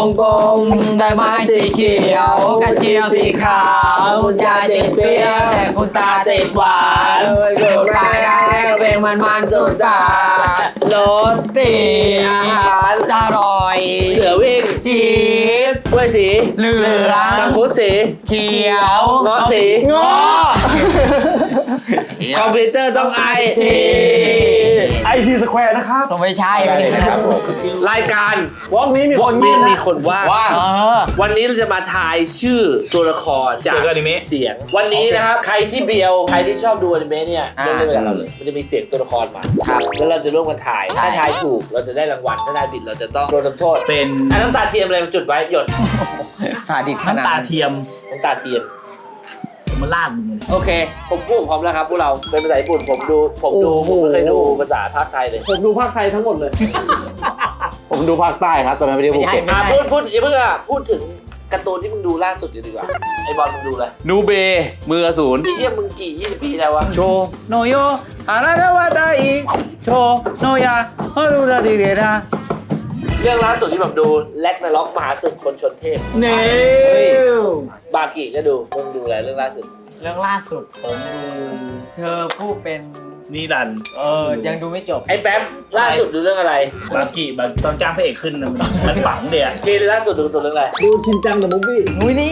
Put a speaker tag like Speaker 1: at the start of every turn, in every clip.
Speaker 1: งกลมใบไม้สีเขียวกระเจียวสีขาวคุณยายติดเปรี้ยวแต่คุณตาติดหวานถูกตายได้เพลงมันสุดตารสติอาหารอร่อย
Speaker 2: เสือวิ่ง
Speaker 1: จีบ
Speaker 2: กล้วยสี
Speaker 1: เหลือง
Speaker 2: มังคุดสี
Speaker 1: เขียว
Speaker 2: เงาะสี
Speaker 1: เงาะ
Speaker 2: คอมพิวเตอร์ต้องไอที
Speaker 3: IT Square นะครับ
Speaker 1: ต้องไม่ใช่นะครับผม
Speaker 2: รายการ
Speaker 3: วอล์กนี้มีคน
Speaker 2: มีคนว่าง วันนี้เราจะมาทายชื่อตัวละครจากเสียงวันนี้นะครับใครที่เบียวใครที่ชอบดูอนิเมะเนี่ยเล่นไปกับเราเลยมันจะมีเสียงตัวละครมาแล้วเราจะร่วมกันถ่ายถ้าทายถูกเราจะได้รางวัลถ้าทายผิดเราจะต้องโดนทำโทษ
Speaker 4: เป็น
Speaker 2: น้ำตาเทียมอะไรมาจุดไว้หยด
Speaker 1: ซาดิสขนาด
Speaker 4: น้ำตาเทียม
Speaker 2: น้ำตาเทียม
Speaker 4: มาลาดมึงเลย
Speaker 2: โอเคผมพูดพร้อมแล้วครับพวกเราเป็นภาษาญี่ปุ่นผมไม่เคยดูภาษาภาคไทยเลย
Speaker 3: ผมดูภาคไทยทั้งหมดเลย
Speaker 5: ผมดูภาคใต้ครับตอนนั้นไม่ได้ภูเก็ต
Speaker 2: พูดอย่าเพิ่งพูดถึงการ์ตูนที่มึงดูล่าสุดดีกว่าไอบอลมึงดูเลย
Speaker 5: นูเบมืออสูร
Speaker 2: ที่เทียมึงกี่20 ปีแล้ววะ
Speaker 5: โชโนโยอาราดาวาไดโชโนยาฮารุราดิเดรา
Speaker 2: เรื่องล่าสุดที่แบบดูแล็กนาล็อกมหาศึกคนชนเทพ
Speaker 4: เน่
Speaker 2: บากิก็ดูมึงดูอะไรเรื่องล่าสุด
Speaker 1: เรื่องล่าสุดผมดูเธอผู้เป็น
Speaker 4: นี่รัน
Speaker 1: ยังดูไม่จบ
Speaker 2: ไอ้แป๊บล่าสุดดูเรื่องอะไร
Speaker 4: บากิตอนจ้างพระเอกขึ้นมันปังเดีย
Speaker 2: ที่ล่าสุดดูตัวเรื่องอะไร
Speaker 3: ดูชินจังเดอะมูฟวี่
Speaker 1: นุ้ยนี่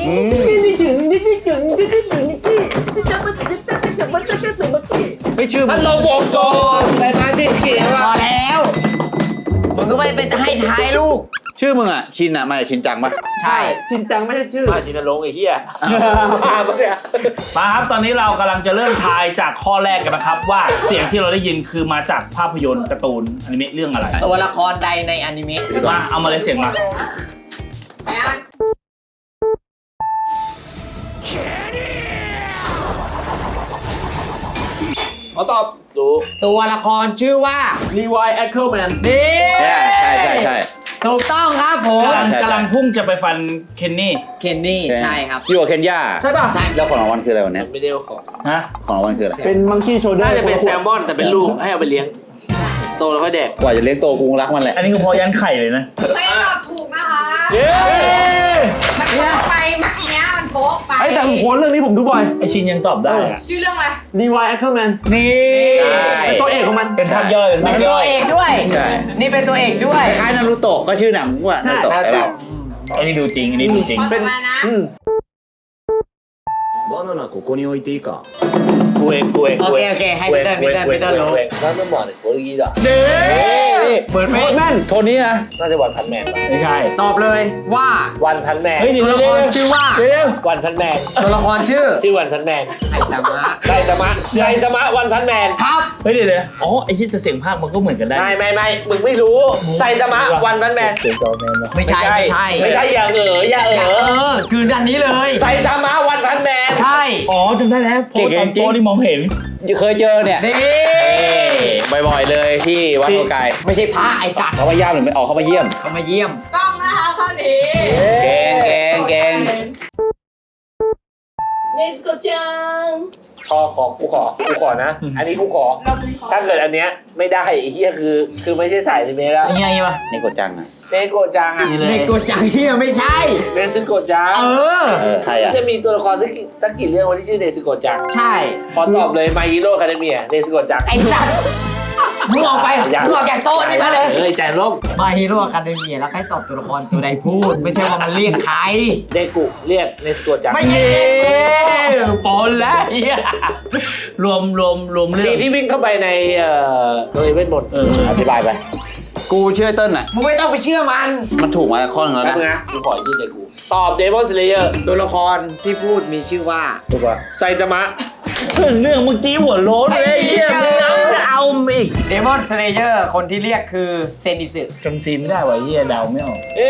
Speaker 5: ไม่ชื่อ
Speaker 2: พันลมวงกลมแต่ทางที่เขียน
Speaker 1: พ
Speaker 2: ว่า
Speaker 1: อแล้วมึงก็ไม่เป็นให้ท้ายลูก
Speaker 5: ชื่อมึงอ่ะชินอ่ะมาจากชินจังปะ
Speaker 1: ใช่
Speaker 3: ชินจังไม่ใช่ชื่อ
Speaker 2: มาชินลงไอ้เหี้ยมาปะเนี่ย
Speaker 4: มาครับตอนนี้เรากำลังจะเริ่มทายจากข้อแรกกันนะครับ ว่าเสียงที่เราได้ยินคือมาจากภาพยนตร์การ์ตูนอนิเมะเรื่องอะไร
Speaker 1: ตัวละครใดในอนิเมะ
Speaker 4: มาเอามาเลยเสียงมา
Speaker 3: ขอตอบ
Speaker 2: ดู
Speaker 1: ตัวละครชื่อว่า
Speaker 3: รีวายแอคเคิลแมน
Speaker 1: นี่
Speaker 5: ใช่
Speaker 1: ถูกต้องครับผม
Speaker 4: กำลังพุ่งจะไปฟันเคนนี่
Speaker 1: เคนนี่ใช่ครับ
Speaker 5: อยู่กับเคนยา
Speaker 3: ใช่ป่ะ
Speaker 1: ใช่
Speaker 5: แล้วของรางวัลคืออะไรวันนี้
Speaker 2: มันไม่ได้เอาของ
Speaker 4: ฮะ
Speaker 5: ของรางวัลคืออะไร
Speaker 3: เป็นมังคีโชเดอร์
Speaker 2: น่าจะเป็นแซลมอนแต่เป็นลูกให้เอาไปเลี้ยงโตแล้วค่อยแดก
Speaker 5: กว่าจะเลี้ยงโตกูรักมันแหละ
Speaker 4: อันนี้คือพอยันไข่เลยนะ
Speaker 6: ไม่ตอบถูกนะคะ
Speaker 3: เย้
Speaker 6: มันโป๊ะไปเมื่อกี้มันโป๊ะไป
Speaker 3: ไอ้แต่ผมโหเรื่องนี้ผมดูบ่อย
Speaker 4: ไอชินยังตอบได้อะ
Speaker 6: ชื่อเรื่องอะไร
Speaker 3: รีวายแอคเคิลแมน
Speaker 4: นี่
Speaker 3: เป็นตัวเอกของมัน
Speaker 4: เป็นภาพย่อยเป็นภาพ
Speaker 1: เป็น
Speaker 4: ย่
Speaker 1: ตั
Speaker 4: อ
Speaker 1: วย เอกด้วย
Speaker 5: ใช่
Speaker 1: นี่เป็นตัวเอกด้วย
Speaker 5: คล้ายนารูโตะก็ชื่อหนังว่านารูโตะใช่ป่ะ
Speaker 4: อันนี้ดูจริงอันนี้ดูจริง
Speaker 6: เป็นมานะ
Speaker 7: バナナここに置いていいか。
Speaker 2: กูเอง
Speaker 1: โอเคให้พีเตอร์รู้
Speaker 2: แล้วไม่บอกเลยโคตรยีดอ่ะ
Speaker 1: เปิดไหม
Speaker 3: แม่น
Speaker 5: โทนนี้นะ
Speaker 2: น่าจะวันพันแมน
Speaker 4: ไม่ใช่
Speaker 1: ตอบเลยว่า
Speaker 2: วันพันแมน
Speaker 4: เฮ้ยเดี๋ยว
Speaker 1: ตัวละครชื่อว่า
Speaker 4: เดี๋ยว
Speaker 2: วันพันแมน
Speaker 1: ตัวละครชื่อ
Speaker 2: ชื่อวันพันแมน
Speaker 1: ไอตามะ
Speaker 2: ไซตามะวันพันแมน
Speaker 1: ครับ
Speaker 4: เฮ้ยเดี๋ยวอ๋อไอ้ที่จะเสียงภาคมันก็เหมือนกันได้
Speaker 2: ไม่มึงไม่รู้ไซตามะวันพันแมน
Speaker 4: เสียงซอแมนวะ
Speaker 1: ไม่ใช่ไม่ใช่
Speaker 2: ไม่ใช่อย่าอย่า
Speaker 1: คืออันนี้เลย
Speaker 2: ไซตามะวันพันแมน
Speaker 1: ใช่
Speaker 4: อ๋อจำได้แล้วโพสต์ตอนโตนี่มองเห็น
Speaker 5: เคยเจอเนี่ย
Speaker 1: นี่
Speaker 5: บ่อยๆเลยที่วัดโอกาย
Speaker 1: ไม่ใช่พระไอสัตว์
Speaker 5: เขามาย่ามหรือไม่ออกเขามาเยี่ยม
Speaker 1: เขามาเยี่ยม
Speaker 6: ต้องนะคะข้อนี้
Speaker 5: เก่ง
Speaker 6: เนสโกจัง
Speaker 2: กูขอนะ อันนี้กูขอ ถ้าเกิดอันเนี้ยไม่ได้ไอ้เหี้ยคือไม่ใช่สายอนิเมะแล้ว
Speaker 4: ยังไงวะ
Speaker 5: นี่กดจังอ่ะ
Speaker 2: เนโกะจังอ่ะ
Speaker 4: นี่เลย
Speaker 1: เด็กตัวจังเฮียไม่ใช่
Speaker 2: เนซึโกะจัง
Speaker 5: ใครอ่ะ
Speaker 2: จะมีตัวละครตั้งกี่เรื่องวันที่ชื่อเนซึโกะจัง
Speaker 1: ใช่
Speaker 2: ขอตอบเลย My Hero Academia เนซึโกะจัง
Speaker 1: ไอสัตว์มึงออกไปมึงออกจากโต๊ะนี่มาเลย
Speaker 2: เฮ้ยใจร่ม
Speaker 1: มาฮีโร่อะคาเดเมียแล้วใครตอบตัวละครตัวใดพูด ไม่ใช่ว่ามันเรียกใคร
Speaker 2: เดกุเรียกเนซึโกะจัง
Speaker 1: ไม่ใช่
Speaker 4: ปนแล้วเฮียรวมเรื่อง
Speaker 2: สีที่วิ่งเข้าไปในโรงเรียนเวทมนต์
Speaker 5: อธิบายไป กูเชื่อเติ้ลอ่ะ
Speaker 1: มึงไม่ต้องไปเชื่อมัน
Speaker 5: มันถูกมาข้อหนึงแล้ว
Speaker 2: แป๊บ
Speaker 5: นะ
Speaker 2: นึงนะกูขอชื่อเดกุตอบ Demon Slayer
Speaker 1: ตัวละครที่พูดมีชื่อว่า
Speaker 2: ถูกป่ะไซตามะ
Speaker 4: เรื่องเมื่อกี้หัวโล้นเลยเฮียไม่เอาอีก
Speaker 1: เดมอนสเลเยอร์คนที่เรียกคือเซนิสึ
Speaker 4: จำซีนไม่ได้วะเฮียเดาไม่ออก
Speaker 2: เอ๊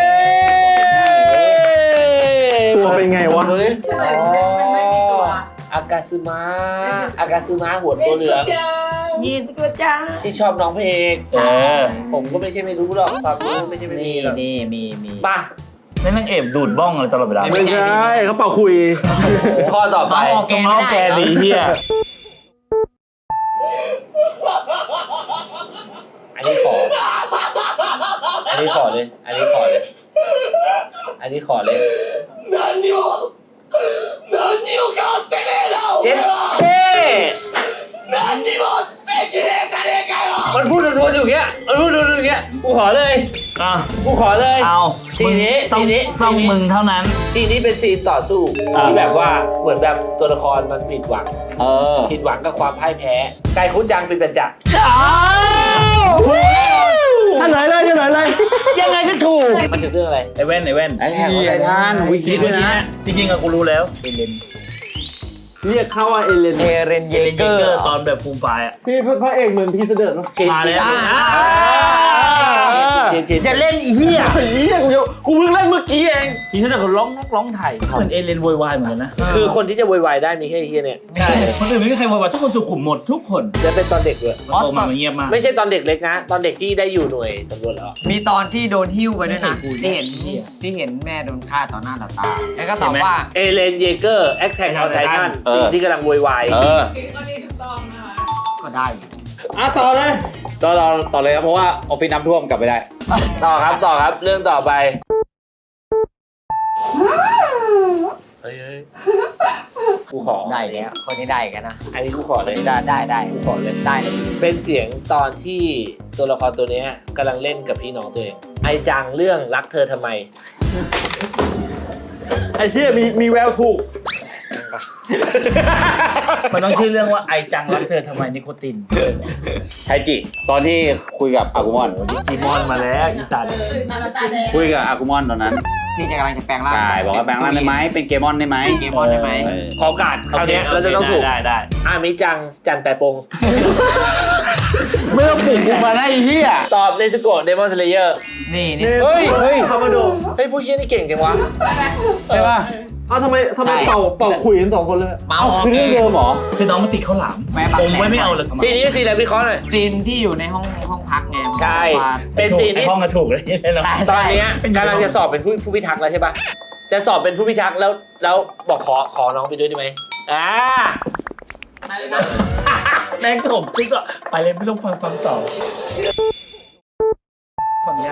Speaker 3: ตัวเป็นไงวะ
Speaker 2: ดูดิ
Speaker 6: มันไม่มีตัว
Speaker 2: อากาซึมะหัวตัวเหลือง
Speaker 6: จัง
Speaker 1: นี่ตัวจ้า
Speaker 2: ที่ชอบน้องพระเอก ผมก็ไม่ใช่ไม่รู้หรอกความรู้ไม่ใช่ไม่มี
Speaker 1: นี่
Speaker 2: หรอก
Speaker 1: นี่มี
Speaker 2: มา
Speaker 4: นั่นนางเอกดูดบ้องอะไรตลอดเวลา
Speaker 3: ไม่ใช่เขาเป่าคุย
Speaker 2: ข้อต่อไป
Speaker 1: เอาออกแก
Speaker 4: ต้อง
Speaker 1: ไม่
Speaker 4: เอา
Speaker 1: ได้
Speaker 4: แกดีเฮีย
Speaker 2: อันนี้ขอเลยอันนี้ขอเลยเจ็ดเท่มันพูดทวนๆอยู่อย่างเงี้ยมันพูดทวนๆอย่างเงี้ยกูขอเลย
Speaker 4: อ่ะ
Speaker 2: กูขอเลย
Speaker 4: เอา
Speaker 2: ซีนนี้
Speaker 4: ต้อง
Speaker 2: ซีนนี้
Speaker 4: ต้อง
Speaker 2: ซีนนี้
Speaker 4: มึงเท่านั้น
Speaker 2: ซีนนี้เป็นซีนต่อสู้
Speaker 4: อ่า
Speaker 2: ที่แบบว่าเหมือนแบบตัวละครมันผิดหวัง ผิดหวังกับความพ่ายแพ้ไก่คุ้นจังเป็นประจักษ์
Speaker 3: เฉลยเลยเฉลยเลย
Speaker 4: ยังไงก็ถูก
Speaker 2: มันถึงเรื่องอะไร
Speaker 4: ไอ้แว่นไอ้แว่น
Speaker 5: ไอ้ท่านวิคิดด้วยนะ
Speaker 4: จริงๆอะกูรู้แล้วเอเลน
Speaker 3: เรียกเขาว่าเอเลน
Speaker 1: เอเรนเย
Speaker 4: เอเลน
Speaker 1: เก
Speaker 4: เย
Speaker 1: อ
Speaker 4: เกอ
Speaker 1: ร์
Speaker 4: ร์ตอนแบบฟูมไฟล์อะ
Speaker 3: พี่พระเอกเหมือนพีเสด็จเนาะ
Speaker 4: มาแล้ว
Speaker 2: เชียนเชียน
Speaker 4: อย่าเล่นอีเหี้ย
Speaker 3: ไอ้เหี้ยกูเพิ่งเล่นเมื่อกี้เอง
Speaker 4: ทีนี้แต่คนร้องไทยเหมือนเอเลนโวยวายเหมือนกันนะ
Speaker 2: คือคนที่จะโวยวายได้มีแค่ไอ้เฮียเนี่ย
Speaker 4: ใช่คนอื่นไม่มีใครโวยวายทุกคนสุขุมหมดทุกคน
Speaker 2: จะเป็นตอนเด็กเลย
Speaker 4: มันโตมามันเงียบมาก
Speaker 2: ไม่ใช่ตอนเด็กเล็กนะ ตอนเด็กที่ได้อยู่หน่วยสำรวจแล้ว
Speaker 1: มีตอนที่โดนหิ้วไปด้วยนะ
Speaker 4: ไม่เคยคุย
Speaker 1: ที่เห็นแม่โดนฆ่าต่อหน้าต่อตา แล้วก็ตอบว่า
Speaker 2: เอเลนเยเกอร์แอคแท็กออนไททันสิ่งที่กำลังโวยวาย
Speaker 6: อันนี้ถูกต้องนะคะ
Speaker 1: ก็ได้
Speaker 3: ต่อเลย
Speaker 5: ต่อเลยครับเพราะว่าออฟฟิศน้ำท่วมกลับไม่ได้
Speaker 2: ต่อครับเรื่องต่อไปเฮ้ยกูขอ
Speaker 1: ได้แล้วคนนี้ได้กันนะ
Speaker 2: อันนี้กูขอเลย
Speaker 1: ได้กูขอเลยได้เลย
Speaker 2: เป็นเสียงตอนที่ตัวละครตัวเนี้ยกำลังเล่นกับพี่น้องตัวเองไอจังเรื่องรักเธอทำไม
Speaker 3: ไอ้เหี้ยมีแววถูก
Speaker 4: มันต้องชื่อเรื่องว่าไอจังรักเธอทำไมนิโคติน
Speaker 5: ไทจิ ตอนที่คุยกับอากุมอน
Speaker 4: จีมอนมาแล้วอีสัน
Speaker 6: นาฬิกาแดง
Speaker 5: คุยกับอากุมอนตอนนั้น
Speaker 1: ที่จะกำลังจะแปลงร่าง
Speaker 5: ใช่บอกว่าแปลงร่างได้ไหมเป็นเกมอนได้ไหม
Speaker 1: เกมอนได้ไหม
Speaker 2: ขอโอกาสคราวเนี้ยเราจะต้องถูก
Speaker 4: ได้
Speaker 2: อามิจังจันแปรปง
Speaker 5: ไม่ต้องปลุกกูมาได้ไอ้เหี้ย
Speaker 2: ตอบเนสโกะเดมอนสเลเยอร์
Speaker 1: นี่
Speaker 2: เฮ้ย
Speaker 3: เฮ้ยคามาโด
Speaker 2: เฮ้ยผู้เยี่ยนี่เก่งจังวะ
Speaker 5: ใช่ป่ะ
Speaker 3: เอ้าทำไมเป่าขุยกัน2 คนเลย
Speaker 1: เมา
Speaker 5: คือเรื่องเดิมเหรอ
Speaker 4: คือน้องมาติดข้าวหลาม
Speaker 1: แม่บัก
Speaker 4: ผม
Speaker 1: แสน
Speaker 4: ไว้ไม่เอาเลย
Speaker 2: ซีนนี้ซีนอะไรวิเคราะห์หน่อย
Speaker 1: ซีนที่อยู่ในห้องพักไง
Speaker 2: ใช่ เป็นซีนที่
Speaker 4: ห้องกระถูกเลยเนาะ
Speaker 1: ใช่
Speaker 2: ตอนเนี้ยกำลังจะสอบเป็นผู้พิทักษ์แล้วใช่ปะจะสอบเป็นผู้พิทักษ์แล้วบอกขอน้องไปด้วยได้ไหม
Speaker 6: มาเลยนะ
Speaker 4: แม่งถมซิกอ่ะไปเลยไม่ต้องฟังต่อฟังยาก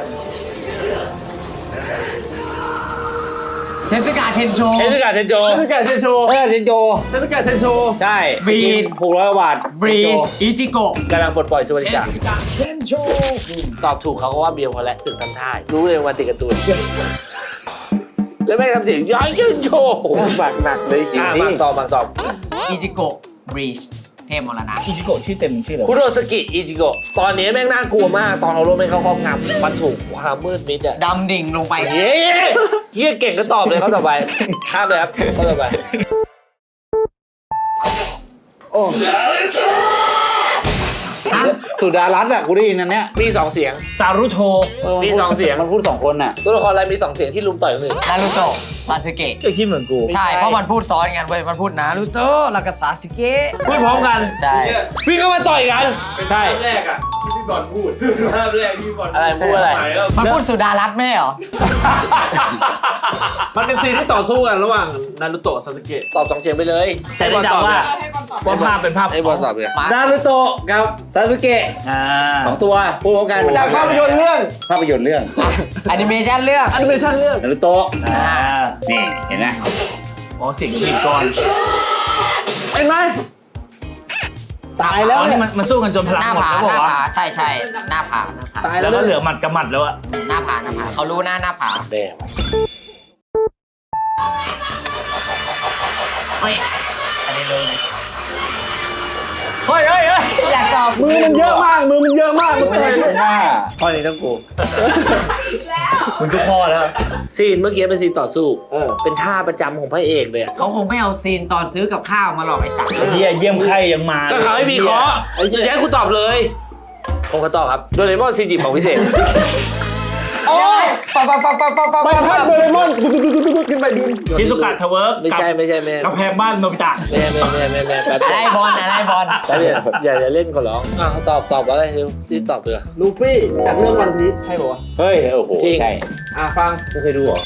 Speaker 1: เทสกาเทนโช
Speaker 2: เทศกาลเทนโจ
Speaker 3: เทศกาลเทนโช
Speaker 5: เซนโจ
Speaker 3: เทศกาลเทนโช
Speaker 5: ใช่
Speaker 1: บีด
Speaker 5: 600 บาท
Speaker 1: บรีชอิจิโกะ
Speaker 2: กำลังปลดปล่อยสวัสดิการตอบถูกเขาก็ว่าเบียวพอแล้วถึงทำท่ารู้เลยว่าติดการ์ตูนแล้วแม่งทำเสียงย้อยยืนโชว์หนักหนักเลยจริงบางตอบ
Speaker 1: อิจิโกะบรีชเทพมรณะ
Speaker 4: อิจิโกะชื่อเต็มมันชื่ออะไร
Speaker 2: คุโรสกิอิจิโกะตอนนี้แม่งน่ากลัวมากตอนเอารถแม่งเข้าครอบงำมันถูกความมืดมิดอะ
Speaker 1: ดำดิ่งลงไป
Speaker 2: เย้เฮียเก่งก็ตอบเลยเขาต่อไปข้ามเลยครับเขาต่อไป
Speaker 5: สุดารัตน์อ่ะกูได้ยินอันเนี้ย
Speaker 2: มี2เสียง
Speaker 4: ซารุโท
Speaker 2: มี2เสียง
Speaker 5: มันพูด2 คนน่ะ
Speaker 2: ตัวละครอะไรมี2เสียงที่ลุมต่อยคนอื่น
Speaker 1: นารูโตะซาสึเกะ
Speaker 4: ก็คิดเหมือนกู
Speaker 1: ใช่ เพราะมันพูดซ้อนกันเว้ย มันพูดนารูโตะแล้วก็ซาสึเกะ
Speaker 4: พูดพร้อมกัน
Speaker 1: ใช่
Speaker 2: พี่ก็มาต่อยกันใช่
Speaker 3: แรกอ่ะที่พี่บอลพูดภาพแรกที่พี่บอล
Speaker 2: อะไรพูดอะไร
Speaker 1: มันพูดสุดารัตน์ไม่เหรอ
Speaker 3: มันเป็นซีนที่ต่อสู้กันระหว่างนารุโตะซาสึเกะ
Speaker 2: ตอบ2เสียงไปเลย
Speaker 4: แต่ได้เดาว่า
Speaker 6: ให้บอลตอบ
Speaker 4: ว่าภาพเป็นภาพ
Speaker 2: ไอ้บอลตอบเลย
Speaker 5: นารุโตะกับซาสึเกะ
Speaker 4: อ่า
Speaker 5: 2 ตัวพูดพร้อมกัน
Speaker 3: จากภาพยนตร์เรื่อง
Speaker 5: ภาพยนตร์เรื่อง
Speaker 1: แอนิเมชันเรื่อง
Speaker 3: แอนิเมชั่นเรื่อง
Speaker 5: นารุโตะ
Speaker 4: อ่า
Speaker 5: นี่เห็นไหม
Speaker 4: อ๋อเสียงผิดก่อน
Speaker 3: เห็นไหมตายแล้ว
Speaker 4: อ๋อ
Speaker 3: เนี่
Speaker 4: นี่
Speaker 3: ย
Speaker 4: มันสู้กันจนพลัง
Speaker 1: หน้า
Speaker 4: หมด
Speaker 1: ผา
Speaker 4: แล้ว
Speaker 1: ห
Speaker 4: บอ
Speaker 1: น้าก
Speaker 4: ว่า
Speaker 1: ผาใช่ใช่หน้าผาหน้าผา
Speaker 3: ตาย
Speaker 4: แล้
Speaker 3: แล้ว ว
Speaker 4: ก็เหลือหมัดกับหมัดแล้วอะ
Speaker 1: หน้าผาเขารู้หน้าผา
Speaker 2: แดง
Speaker 4: ไม่อันนี้เลย
Speaker 1: เฮ้ยอยากตอบ
Speaker 3: มือมันเยอะมากมันเป็นไร
Speaker 5: หน้า
Speaker 2: ข้อนี้ต้องกู
Speaker 4: มึงทุกข้อแล้ว
Speaker 2: ซีนเมื่อกี้เป็นซีนต่อสู้เป็นท่าประจำของพระเอกเลยอะ
Speaker 1: เขาคงไม่เอาซีนตอนซื้อกับข้าวมาหลอกไอ้สัตว์
Speaker 4: เฮียเยี่ยมไข่ยังมา
Speaker 2: ก็เขาให้มีเคาะจะใช้คุณตอบเลยผมก็ตอบครับโดเรมอนซีนจิบของพิเศษ
Speaker 1: โอ้ยปั๊บ
Speaker 3: ใบพัดโดเรมอนตุ๊ดขึ้นไปบิน
Speaker 4: ชิซุกะทาวเวิร์ก
Speaker 2: ไม่ใช่ไม่
Speaker 4: กำแพงบ้านโนบิตะ
Speaker 2: แป๊บ
Speaker 1: อะไรบอลอะไรบอล
Speaker 2: แป๊บเดียวอย่าเล่นก่อนร้องเขาตอบว่าอะไรเร็วรีบตอบเลย
Speaker 3: ลูฟี่จากเรื่องวันพีชใช่ป่าวะ
Speaker 5: เฮ้ยโอ้โห
Speaker 2: จริง
Speaker 5: ใช่
Speaker 3: ฟัง
Speaker 5: ไม่เคยดูเหรอ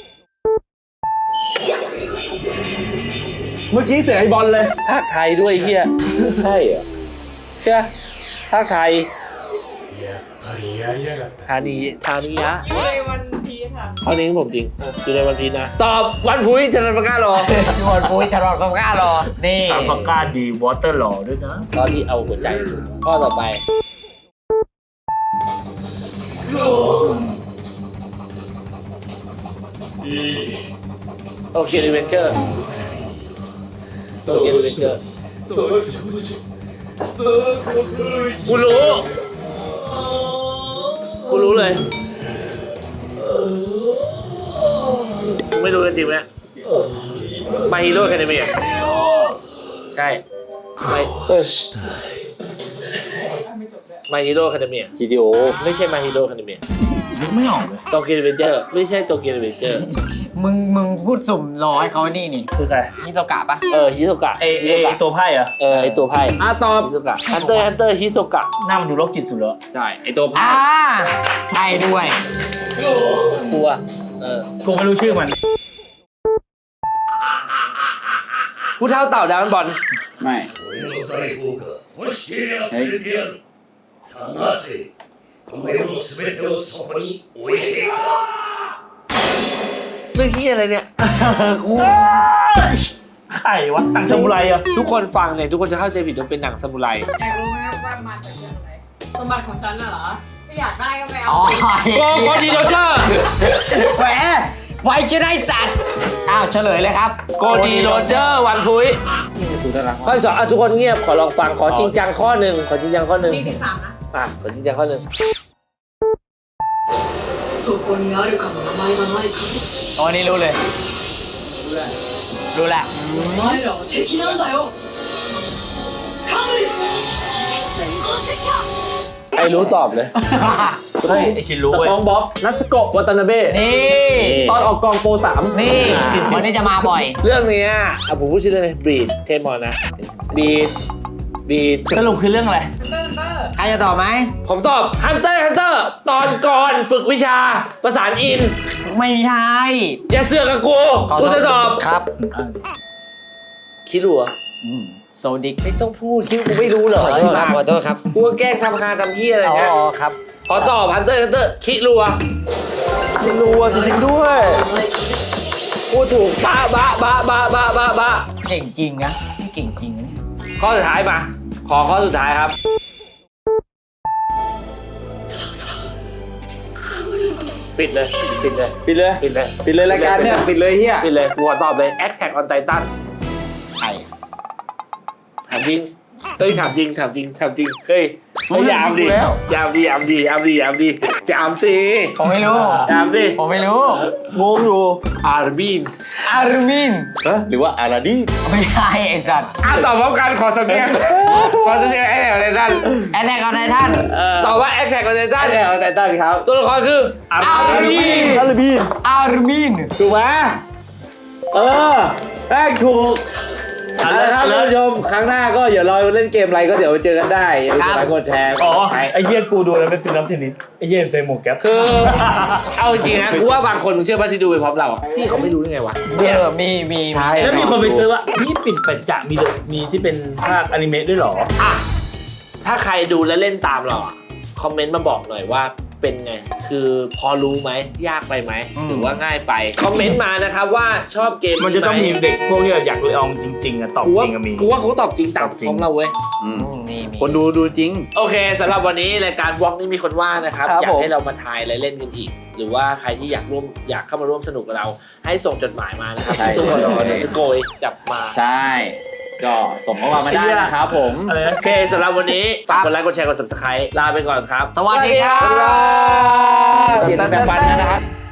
Speaker 3: เมื่อกี้เสียงไอ้บอลเลย
Speaker 2: ภาคไทยด้วยเฮีย
Speaker 5: ใช่เหรอ
Speaker 2: เชื่อภาคไทยธานียะ
Speaker 6: เลยวันพีไท
Speaker 2: ข้อนี้ผมจริงอยู่ในวันพีชนะ ตอบวันพุธจะรันฟังก้ารอ
Speaker 1: หมดปุ้ยตลอดความกล้ารอ นี่
Speaker 4: ทางฟังก้าดีวอเตอร์หล่อด้วยนะ
Speaker 2: ตอนที่เอาหัวใจข้อต่อไปโอเครีเวนเจอร์โอเครีเวนเจอร์กูรู้เลยกูไม่รู้กันจริงไหมมาฮีโร่แคนาเมียใช่มาฮีโร่แคนาเมีย
Speaker 3: GTO
Speaker 2: ไม่ใช่มาฮีโร่แคนาเมีย
Speaker 4: นึกไม่ออกเลย
Speaker 2: โตเกียวรีเวนเจอร์ไม่ใช่โตเกียวรีเวนเจอร์
Speaker 1: มึงพูดสุ่มรอให้เขานี่นี่
Speaker 4: คือใคร
Speaker 1: ฮิโซกะปะ
Speaker 2: ฮิโซกะ
Speaker 4: ไอตัวไพ่เหรอะ
Speaker 2: ไอตัวไพ่
Speaker 3: ตอบ
Speaker 2: ฮิโซกะฮันเตอร์ฮิโซกะ
Speaker 4: หน้ามันดูโรคจิตสุดแล้ว
Speaker 3: ใช่ ไอตัวพา
Speaker 1: อ่าใช่ด้วย
Speaker 2: กลัว
Speaker 4: กูไม่รู้ชื่อมัน
Speaker 2: ผู้เท่าเต่าดาวน์บอล
Speaker 3: ไม่เฮ้ย
Speaker 2: เรื่องที่อะไรเนี่ย
Speaker 4: ใครวะตังซามูไรอะ
Speaker 2: ทุกคนฟังเนี่ยทุกคนจะเข้าใจผิดว่าเป็นหนังซามูไร
Speaker 6: อยากรู้ไหมว่ามาจากเรื่องอะไรสมบัติของฉันน่ะเหรอไม่อยากได้ก็ไปเอา
Speaker 1: อ๋อ
Speaker 2: โกดีโรเจอร์
Speaker 1: แหมไวชื่อได้สัตว์ อ้าวเฉลยเลยครับ
Speaker 2: โกดีโรเจอร์วันพุยข้อที่สองทุกคนเงียบขอลองฟังขอจริงจังข้อหนึ่งขอจริงจังข้อหนึ่ง
Speaker 6: นี่13นะ
Speaker 2: ขอจริงจังข้อหนึ่ง
Speaker 1: อ๋อนี่รู้เลย รู้แหละ
Speaker 2: ไอ้รู้ตอบเลย
Speaker 4: เฮ้ยไอชินรู้
Speaker 3: ส
Speaker 4: เว้ย
Speaker 3: ปองบ๊อบนัสโกะวัตานาเบะ
Speaker 1: นี่
Speaker 3: ตอนออกกองโปร 3
Speaker 1: นี่วันนี้จะมาบ่อย
Speaker 2: เรื่องเนี้ยผมพูดชื่อเลยบรีชเทมอนนะบรีช
Speaker 4: สรุปคือเรื่องอะไร
Speaker 1: ใครจะตอบไหม
Speaker 2: ผมตอบฮันเตอร์ตอนก่อนฝึกวิชาประสานอิน
Speaker 1: ไม่มีทาย
Speaker 2: อย่าเสือกกับกูจะตอบ
Speaker 1: ครับ
Speaker 2: คิดรู้เหรอ
Speaker 1: โซดิก
Speaker 2: ไม่ต้องพูดคิดกูไม่รู้เหรอ
Speaker 1: ขอโทษครับ
Speaker 2: กูก็แกล้งทำคาทำที่อะไร
Speaker 1: อ๋
Speaker 2: เงี้ย
Speaker 1: อครับ
Speaker 2: ขอตอบฮันเตอร์คิดรู้อะ
Speaker 3: รัวจริงๆด้วย
Speaker 2: พูดถูกบ้า
Speaker 1: เก่งจริงนะนี่เก่งจริงนะเนี่ย
Speaker 2: ข้อสุดท้ายมาขอข้อสุดท้ายครับปิดเลย
Speaker 3: รายการเนี่ยปิดเลยเฮีย
Speaker 2: ปิดเลยกูขอตอบเลย Attack on Titan
Speaker 1: ไอ้
Speaker 2: ถามจริงเฮ้ยถามจริงเฮ้ยยามดิยามสิ
Speaker 1: ผมไม่รู้
Speaker 2: ยามดิ
Speaker 1: ผมไม่รู้
Speaker 3: งงอยู่
Speaker 2: อาร์บิน
Speaker 1: อาร์มิน
Speaker 3: หรือว่าอาราดี
Speaker 1: ไม่ใช่ไอ้สัตว์
Speaker 2: ตอบพร้อมกันขอสำเนียงไอ้ไหนท่าน
Speaker 1: แอนแรกเอาในท่าน
Speaker 2: ตอบว่า Attack on Titan
Speaker 3: เอาแต่ตั้งครับ
Speaker 2: ตัวละครคืออาร์บิน
Speaker 3: อาราบี
Speaker 1: อาร์มิน
Speaker 3: ถูกไหมได้ถูกเอาละครับท่านผู้ชมครั้งหน้าก็อย่ารอเล่นเกมอะไรก็เดี๋ยวไปเจอกันได้อย่าลืมกดไลค์กดแชร์
Speaker 4: อ๋อไอเหี้ยกูดูแล้วเป็นน้ำเทนนิสไอเหี้ยใส่หมวกแก๊ป
Speaker 2: คือเอาจริงๆนะกูว่าบางคนมึงเชื่อป่ะที่ดูไปพร้อมเราอะพี่เขาไม่รู้ได้ไงวะ
Speaker 1: มี
Speaker 4: แล้วมีคนไปซื้อว่านี่ปิ่นปัจจะมีที่เป็นภาคอนิเมะด้วยเหรอ
Speaker 2: อ่ะถ้าใครดูและเล่นตามเราอะคอมเมนต์มาบอกหน่อยว่าเป็นไง คือพอรู้ไหมยากไปไหมหรือว่าง่ายไปคอมเมนต์มานะครับว่าชอบเกม
Speaker 4: มันจะต้องมีเด็กพวกที่อยากลองจริงๆอะตอบ
Speaker 2: กู
Speaker 4: จ
Speaker 2: ว่า
Speaker 4: ริงอะมี
Speaker 2: กูว่าเขาตอบจริงตาม
Speaker 4: ตอบจริง
Speaker 2: ของเราเว้ย
Speaker 1: มี
Speaker 3: คนดูจริง
Speaker 2: โอเคสำหรับวันนี้รายการบล็อกนี้มีคนว่านะครับ
Speaker 3: ครับ
Speaker 2: อยาก
Speaker 3: ผม
Speaker 2: ให้เรามาทายอะไรเล่นกันอีก หรือว่าใครที่อยากเข้ามาร่วมสนุกกับเรา ให้ส่งจดหมายมานะครับที่ตู้คอนโดเดี๋ยวจะโกยจับมา
Speaker 3: ใช่ ก็ส่งเข้ามาได้นะครับผม
Speaker 4: อะไรนะ
Speaker 2: โอเคสำหรับวันนี้ฝากกดไลค์กดแชร์กด subscribe ลาไปก่อนครับ
Speaker 1: สวัสดีครับ
Speaker 3: เปลี่ยนแบบฟันนะครับ